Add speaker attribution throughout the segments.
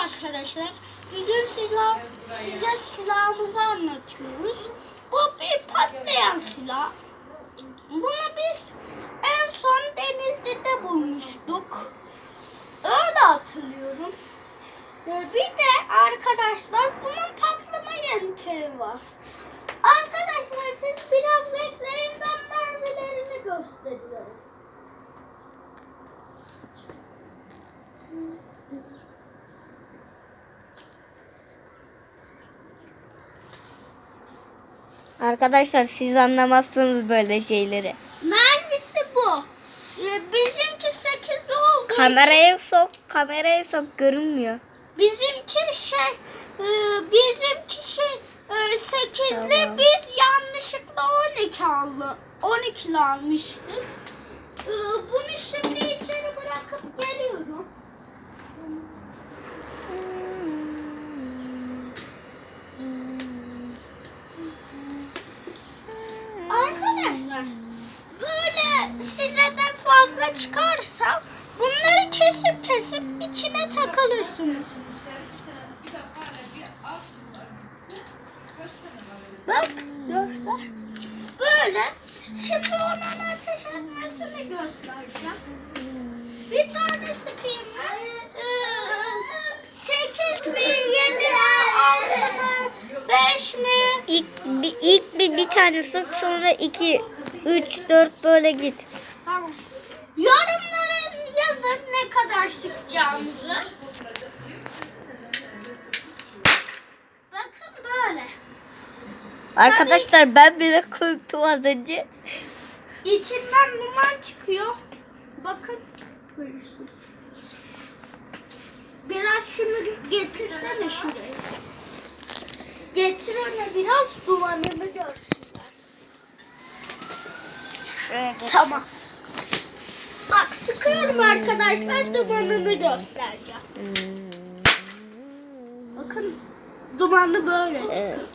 Speaker 1: arkadaşlar. Bugün size silahımızı anlatıyoruz. Bu bir patlayan silah. Bunu biz en son Denizli'de bulmuştuk. Öyle hatırlıyorum. Bir de arkadaşlar bunun patlama yöntemi var. Arkadaşlar siz biraz bekleyin, ben mermilerini gösteriyorum.
Speaker 2: Arkadaşlar siz anlamazsınız böyle şeyleri.
Speaker 1: Mermisi bu. Bizimki 8'li olduğu için
Speaker 2: Kameraya sok görünmüyor.
Speaker 1: bizimki 8'li,
Speaker 2: Tamam.
Speaker 1: biz yanlışlıkla 12'li almıştık. Bunu şimdi içeri bırakıp geliyorum. Arkadaşlar böyle size de fazla çıkarsa bunları kesip içine takılırsınız. Bak göster. Böyle. Şimdi onun ateş etmesini göstereceğim. Bir tane sıkayım ben. 8 mi, 7 mi, 6 mı, 5 mi?
Speaker 2: İlk bir tane sık, sonra 2, 3, 4 böyle git.
Speaker 1: Tamam. Yorumlara yazın ne kadar sıkacağımızı. Bakın böyle.
Speaker 2: Arkadaşlar ben bile korktum az önce.
Speaker 1: İçinden duman çıkıyor. Bakın. Görürsün. Biraz şunu getirsene şuraya. Getir ona, biraz dumanını görsünler. Tamam. Bak sıkıyorum arkadaşlar, dumanını göstereceğim. Bakın dumanı böyle çıkıyor.
Speaker 2: Evet.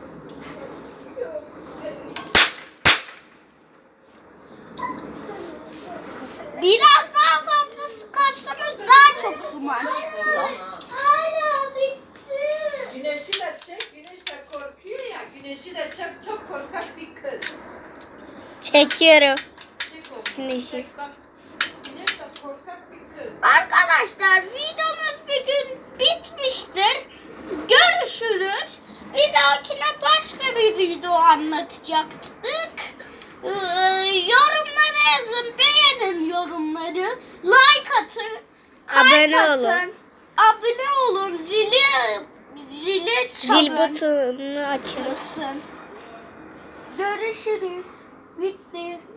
Speaker 1: Biraz daha fazla sıkarsanız daha çok duman çıkıyor. Hala bitti.
Speaker 3: Güneşi de çek, güneş de korkuyor ya. Güneşi de çek, çok korkak bir kız.
Speaker 2: Çekiyorum.
Speaker 3: Çek onu.
Speaker 2: Güneşi.
Speaker 3: Çek bak. Güneş de korkak bir kız.
Speaker 1: Arkadaşlar videomuz bir gün bitmiştir. Görüşürüz. Bir dahakine başka bir video anlatacaktık. Yorumlara yazın, beğenin yorumları. Like atın.
Speaker 2: Abone
Speaker 1: kalp
Speaker 2: olun.
Speaker 1: atın, abone olun. Zili çalın.
Speaker 2: Zil butonunu açın.
Speaker 1: Görüşürüz. Bitti.